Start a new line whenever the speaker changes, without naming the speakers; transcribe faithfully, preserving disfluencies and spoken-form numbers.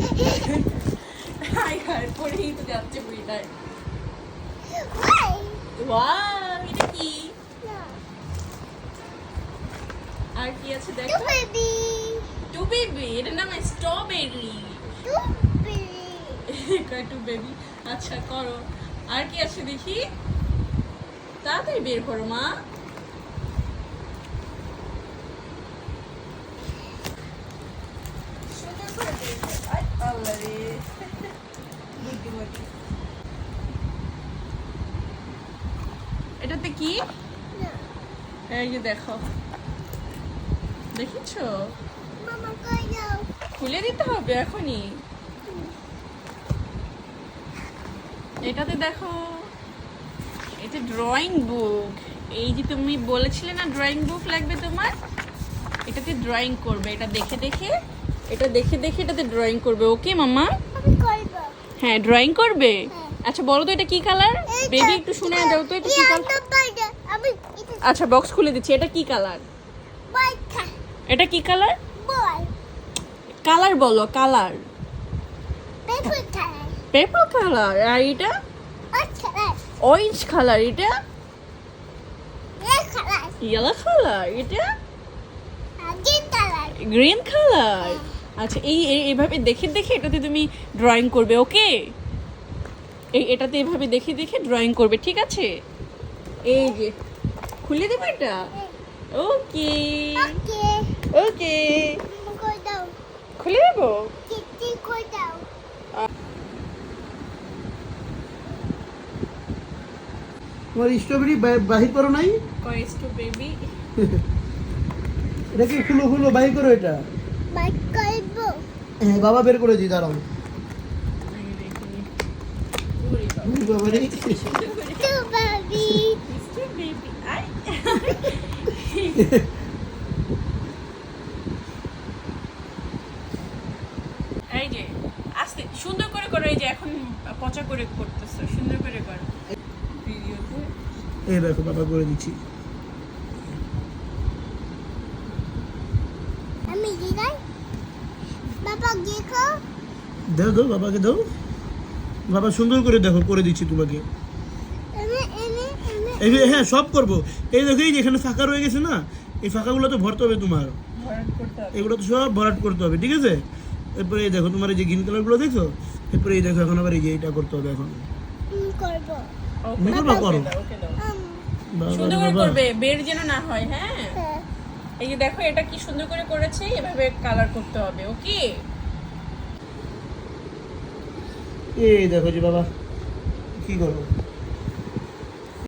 High high পড়েই তো যাচ্ছে বুড়িটায়। ওয়াও, এটা কি? আর কি আছে দেখো? টু বেবি, এটার নাম স্ট্রবেরি। টু বেবি, আচ্ছা করো। আর কি আছে দেখি, তাড়াতাড়ি বের করো মা। এটাতে কি? এই যে দেখো, দেখেছো? খুলে দিতে হবে এখনই। এটাতে দেখো, এটা ড্রয়িং বুক। এই যে তুমি বলেছিলে না ড্রয়িং বুক লাগবে তোমার, এটাতে ড্রয়িং করবে। এটা দেখে দেখে এটা দেখে দেখে এটাতে ড্রয়িং করবে। ওকে মাম্মা? হ্যাঁ, ড্রয়িং করবে। আচ্ছা বলো তো এটা কি কালার? বেবি একটু শুনে যাও তো, এটা কি কালার? আচ্ছা বক্স খুলে দিচ্ছি। এটা কি কালার? এটা কি কালার? কালার বলো, কালার। Paper colour. আর এটা অরেঞ্জ কালার। এটা ইয়েলো কালার। এটা গ্রিন কালার। আচ্ছা এই এইভাবে দেখে দেখে এটাতে তুমি ড্রয়িং করবে। ওকে, এই এটাতে এইভাবে দেখে দেখে ড্রয়িং করবে, ঠিক আছে? এই যে খুলে দেবে এটা। ওকে ওকে, খুলে দেবো।
তোমার স্ট্রবেরি বাহির করো নাই?
কই স্ট্রবেরি?
এটা কি খুলো খুলো বাহির করো এটা। হ্যাঁ বাবা বের করে দিই, দাঁড়াও। বাবা রে,
এই যে আস্তে সুন্দর করে করো। এই যে এখন পচা করে করতেছো, সুন্দর করে করো ভিডিওতে।
এই দেখো বাবা করে দিচ্ছি। দাও দাও বাবাকে দাও। বাবা সুন্দর করে দেখো করে দিচ্ছি তোমাকে। এই যে হ্যাঁ সব করবো। এই দেখো এই যে এখানে ফাঁকা রয়ে গেছে না, এই ফাঁকাগুলো তো ভরতে হবে তোমার। এগুলো তো সব ভরাট করতে হবে, ঠিক আছে? এরপরে এই দেখো তোমার এই যে গ্রিন কালারগুলো দেখছো, এরপরে এই দেখো এখন আবার এই যে এটা করতে হবে। এখন করবো, করো।
সুন্দর করে করবে, বের যেন না হয়। হ্যাঁ এই যে দেখো এটা কি সুন্দর করে করেছে, এভাবে কালার করতে হবে। ওকে,
এই দেখো যে বাবা কি করবো।